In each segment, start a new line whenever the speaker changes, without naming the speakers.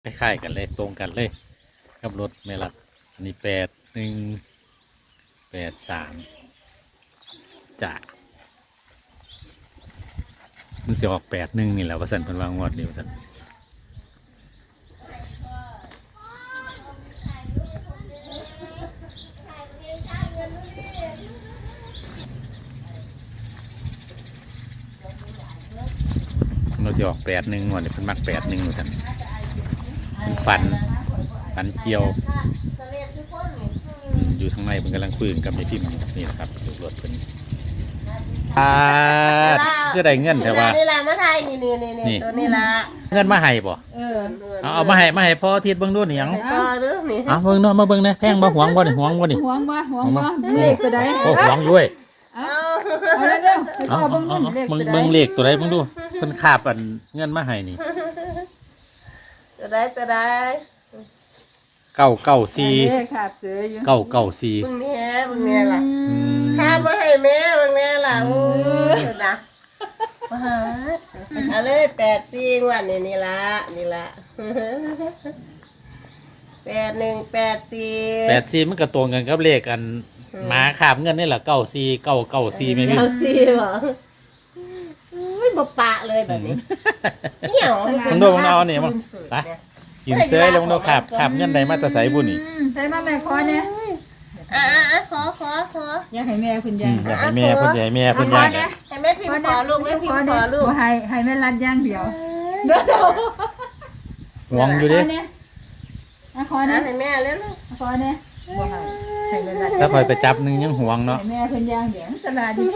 คล้ายๆกันเลยตรงกันเลยกับรถเมลัดอันนี้8183จ้ะมันสิออก81นี่แหละว่าซั่นเพิ่นว่างวดนี้ว่าซั่นมันสิออก81งวดนี้เพิ่นมัก81ว่าซั่นฝันเกี่ยวอยู่ทางในมันกำลังคุยกับในพิมพ์นี่นะครับรถเป็นก็ได้เงินแต่ว่า
นี่ละมาไทยนี่ตัวนี้ละ
เงินมาให้บ่เอามาให้พ่อทิศเบิ่งดูนี่หยังเอาเบิ่งเนาะมาเบิ่งนะแพงบ่หวงบ่นี่หวงบ่นี่
หวงบ่เลขตัวใด
โอ้หวงอยู่เว้ย
เอาเร็วๆเอาเบิ่ง
เลขตัวใดเบิ่งดูเพิ่นคาบอันเงินมาให้นี่
ตัวใด
994
ขาดเสืออยู่
994
เบิ่งแน่ล่ะข้ามาให้แม่เบิ่งแน่ล่ะโอ้นะมาหาเอาเลย84วันนี่ละ
8184มันก็ตรงกันกับเลขอันหมาคาบเงินนี่แหละ94994แม่พี่
94บ่อุ้ยบ่ปะเลยแบบนี้เหี่ยว
มึงดูมึงเอานี่มึงไปกินเสื้อแล้วมึงดูขาบเงินใดมาแต่ใส่บุญนี่
ใส่มาแม่ขอเนี่ย
ขอ
อยากให้แม่เพิ่นย่าง
อยากให้แม่เพิ่นย่าง
ให้แม่พิมพ์ขอลูกแม่พิมพ์ขอลูก
ให้แม่รัดย่างเดียว
หวงอยู่ดิ
ขอนะ
ให้แม่แล้ว
ขอเนี่ยบ่ให้แม่รัด
ถ้าคอยไปจับนึงยังหวงเนาะ
ให้แม่เพิ่นย่างเดียวสลาดี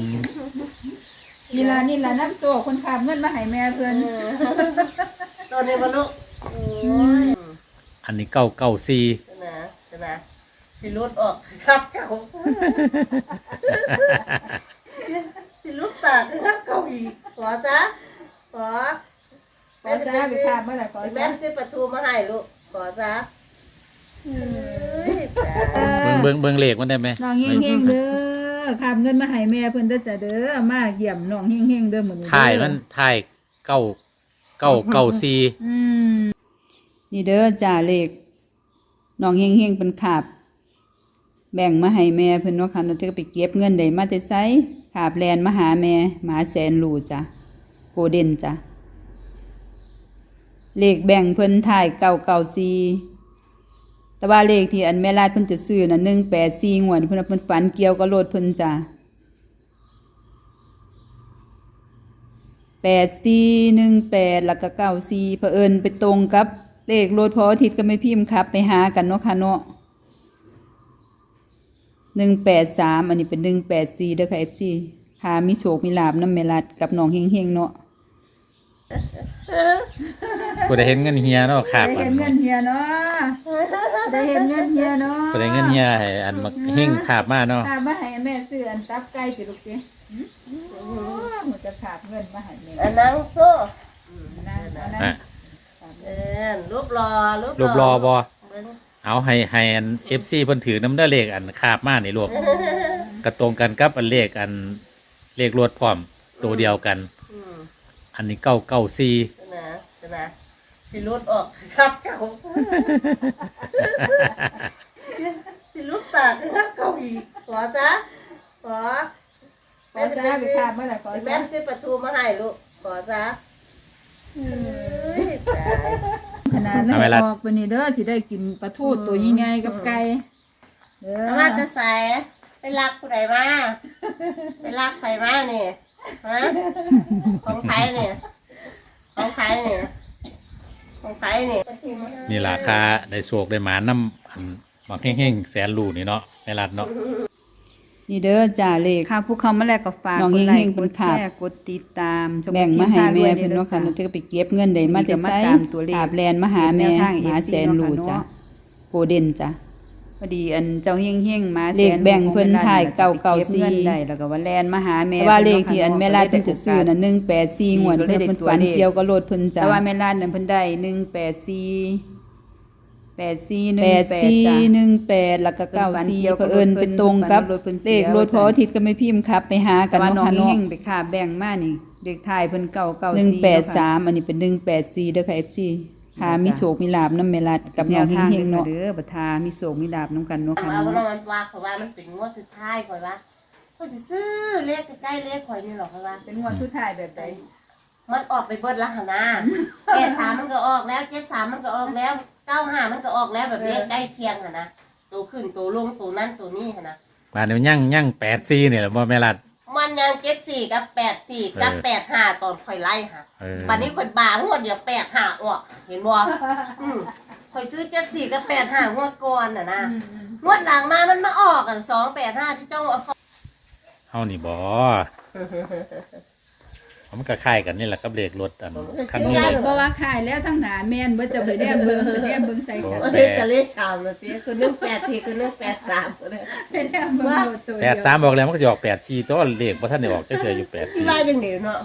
นี่ล่ะน้ำโซ่คนขับเงินมาให้แม่เพิ่น
ตัวนี้บ่ลูก
อันนี้994
นะสิรุดออกครับเก่าสิรุดปากครับเก่าอีกขอจ้ะขอ
แม่จะไปขับเมื่อไหร่ขอ
แม่จะปลาทูมาให้ลูกขอจ้ะ
เบิ่งเลขมันได้ไหม
น้องเฮงๆเด้อขับเงินมาให้แม่เพิ่นเด้อจ้ะเด้อมาเยี่ยมน้องเฮงๆเด้อมื้อนี้
ถ่ายมันถ่าย994
นี่เด้อจ้าเลขน้องเฮงๆเพิ่นขาบแบ่งมาให้แม่เพิ่นเนาะค่ะเนาะจะไปเก็บเงินได้มาแต่ไสขาบแลนมาหาแม่หมาแสนรู้จ้ะโกเด้นจ้ะเลขแบ่งเพิ่นถ่าย994แต่ว่าเลขที่อันแม่ลาดเพิ่นจะซื้อน่ะ184งวดเพิ่นฝันเกี่ยวกับรถเพิ่นจ้ะ8418แล้วก็94เผอิญไปตรงกับเลขรถพออาทิตย์ก็ไม่พิมพ์ครับไปหากันเนาะค่ะเนาะ183อันนี้เป็น184เด้อค่ะ FC หามีโชคมีลาภนำแม่รัดกับน้องเฮงๆเนาะ
กูได้เห็นเงินเฮียเนาะขาบ
ได้เห็นเงินเฮียเนาะได้เห็นเงินเฮียเนาะ
กูได้เงินเฮียให้อันมาเฮงขาบมาเนาะ
ขาบมาให้แม่ซื้ออันตับไก่สิลูกสิมันจะขาบเงินมาให้แม่
อันนั้นโซ่รูปรอ
บ่เอาให้อัน FC เพิ่นถือน้ำได้เลขอันคาบมานี่ลูกกระตรงกันกับอันเลขรถพร้อมตัวเดียวกันอันนี้994
นะสิรุดออกครับเก่าสิรุดปากครับเก่าอีกขอจ้ะขอ
แม่จะไปคาบเมื่อไหร่ขอ
แม่จะปลาทูมาให้ลูกขอจ้ะ
ขนาดนั้นออกวันนี้เด้อสิได้กินปลาทูตัวใหญ่ๆกับไก่
เด้อมาจะใส่ไปรักผู้ใดมาไปรักใครมาเนี่ยฮะของใครเนี่ย
นี่ราคาได้โศกได้หมาน้ำอันมาเฮงๆแสนรูนี่เนาะในรัฐเนาะ
นี่เด้อจ่าเลขค่ะผู้เขามาแลกกับฝากกดไลค์กดแชร์กดติดตามแบ่งมาให้แม่เพิ่นเนาะค่ะเนาะจะไปเก็บเงินได้มาแต่ไสขาบแลนมาหาแม่หาแสนรูจ้ะโกเด้นจ้ะพอดีอันเจ้าเฮงๆมาเลขแบ่งเพิ่นถ่าย994ได้แล้วก็ว่าแลนมาหาแม่ว่าเลขที่อันแม่ลาดเพิ่นจะซื้อน่ะ184งวดเพิ่นฝันเกี่ยวกับรถเพิ่นจ้ะแต่ว่าแม่ลาดนั่นเพิ่นได้18418แล้วก็94เผอิญเป็นตรงกับเลขรถพออาทิตย์ก็ไม่พิมพ์ครับไปหากันน้องเฮงไปค่าแบ่งมานี่เลขท้ายเพิ่น994 183อันนี้เป็น184เด้อค่ะ FC หามีโศกมีลาบน้ำเมลัดกับแนวทางเฮงเนาะเด้อบัทามีโศกมีลาบน้ำกันเนาะค่ะ
เอา
เนาะ
ว่ามันว่าเขาว่ามันเป็นงวดสุดท้ายข่อยว่าข่อยสิซื้อเลขใกล้ๆเลขข่อยนี่หรอกข่อยว่า
เป็นงวดสุดท้ายแบบใด
มันออกไปเบิดละหนนะ83มันก็ออกแล้ว73มันก็ออกแล้ว95มันก็ออกแล้วแบบเลขใกล้เคียงหั่นนะตัวขึ้นตัวลงตัวนั้นตัวนี้หั่นนะ
มาเดี๋ยวยั่ง84นี่แหละบ่แม่รัด
มันยัง74กับ84กับ85ตอนข่อยไล่ค่ะ บัดนี้ข่อยบางงวดเดียว85ออกเห็นบ่ข่อยซื้อ74กับ85งวดก่อนน่ะนะงวดหลังมามันมาออกกัน285ที่เจ้าเอา
เฮานี่บ่มันก็คล้ายกันนี่แหละกับเลขรถอันคันนี้
เพราะว่าขายแล้วทั้งหนาแม่นบ่จะไปแนมเบิ่งไปแนมเบิ่งใส่กัน
เฮ้ยจะเลข3แล้วสิคือ18ทีคือ183ก็ได้
ไปแนมเบิ่งโลดตัวเดียว
83บอกแล้วมันก็สิออก84ตัวเลขบ่ทันได้ออกจักเทื่ออยู่
ที่ว่าจังได๋เนาะ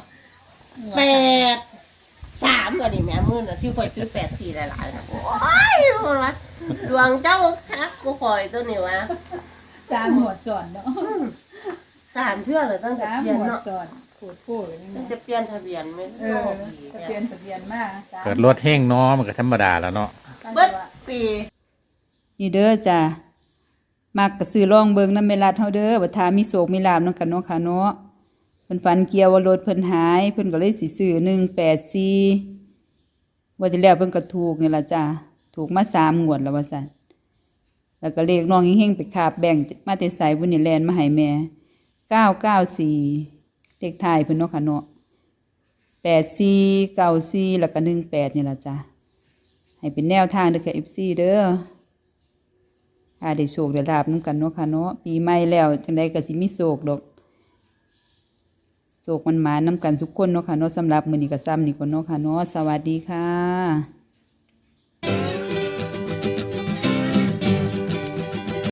83อันนี้แม่มื้อน่ะที่ข่อยซื้อ84หลายๆนะโอ้ยดวงเจ้าคักกูข่อยตัวนี้วะ
3หมวดสอนเนาะ
3เทื่อเลยตั้งแต่
3
เปลี่
ห
ยน
มวด
เนาะ
สอนพูดนี่
ตั้ง
นะ
แต่เปลี่ยนทะเบียนไม่
เอ
รู้
อ
ปี
ทะเบียนมา
84เกิดรถแห้งเนาะมันก็ธรรมดาแล้วเนาะ
เบิดปี
นี่เด้อจ้ะมักก็ซื้อลองเบิ่งนำแม่รัดเฮาเด้อบัดทามีโศกมีลาบนำกันเนาะค่ะเนาะเพิ่นฝันเกี่ยวว่ารถเพิ่นหายเพิ่นก็เลยสิซื้อ184ว่าที่แล้วเพิ่นก็ถูกนี่ล่ะจ้ะถูกมา3งวดแล้วว่าซั่นแล้วก็เลขน้องเฮงๆไปคาบแบ่งมาแต่ไสบุญนี่แลนมาให้แม่994เลขท้ายเพิ่นเนาะค่ะเนาะ84 94แล้วก็18นี่ล่ะจ้ะให้เป็นแนวทางเด้อค่ะ FC เด้อได้โชคได้ลาบนำกันเนาะค่ะเนาะปีใหม่แล้วจังไดก็สิมีโชคดอกโชคมันหมานำกันทุกคนเนาะค่ะเนาะสำหรับมื้อนี้ก็ซ้ำนี่ก่อนเนาะค่ะเนาะสวัสดีค่ะ